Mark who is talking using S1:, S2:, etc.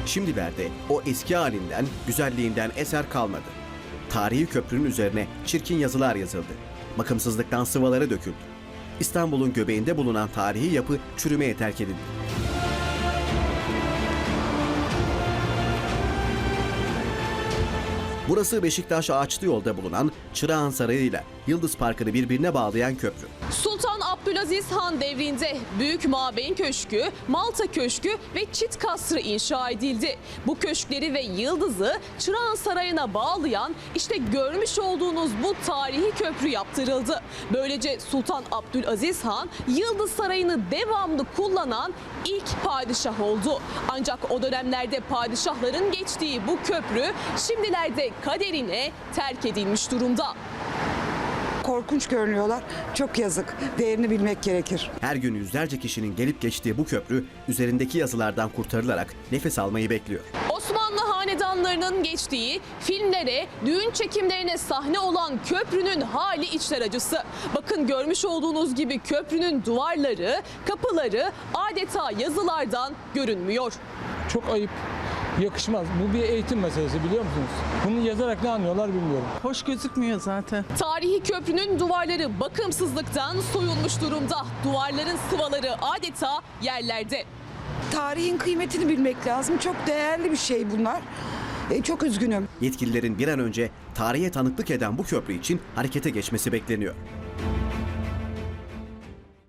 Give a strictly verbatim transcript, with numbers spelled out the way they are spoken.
S1: Şimdilerde o eski halinden, güzelliğinden eser kalmadı. Tarihi köprünün üzerine çirkin yazılar yazıldı. Bakımsızlıktan sıvaları döküldü. İstanbul'un göbeğinde bulunan tarihi yapı çürümeye terk edildi. Burası Beşiktaş Ağaçlı Yol'da bulunan Çırağan Sarayı ile Yıldız Parkı'nı birbirine bağlayan köprü.
S2: Sultan Abdülaziz Han devrinde Büyük Mabeyn Köşkü, Malta Köşkü ve Çit Kasrı inşa edildi. Bu köşkleri ve Yıldız'ı Çırağan Sarayı'na bağlayan işte görmüş olduğunuz bu tarihi köprü yaptırıldı. Böylece Sultan Abdülaziz Han Yıldız Sarayı'nı devamlı kullanan ilk padişah oldu. Ancak o dönemlerde padişahların geçtiği bu köprü şimdilerde kaderine terk edilmiş durumda.
S3: Korkunç görünüyorlar. Çok yazık. Değerini bilmek gerekir.
S1: Her gün yüzlerce kişinin gelip geçtiği bu köprü üzerindeki yazılardan kurtarılarak nefes almayı bekliyor.
S2: Osmanlı hanedanlarının geçtiği, filmlere, düğün çekimlerine sahne olan köprünün hali içler acısı. Bakın görmüş olduğunuz gibi köprünün duvarları, kapıları adeta yazılardan görünmüyor.
S4: Çok ayıp. Yakışmaz. Bu bir eğitim meselesi, biliyor musunuz? Bunu yazarak ne anlıyorlar bilmiyorum.
S5: Hoş gözükmüyor zaten.
S2: Tarihi köprünün duvarları bakımsızlıktan soyulmuş durumda. Duvarların sıvaları adeta yerlerde.
S3: Tarihin kıymetini bilmek lazım. Çok değerli bir şey bunlar. E, çok üzgünüm.
S1: Yetkililerin bir an önce tarihe tanıklık eden bu köprü için harekete geçmesi bekleniyor.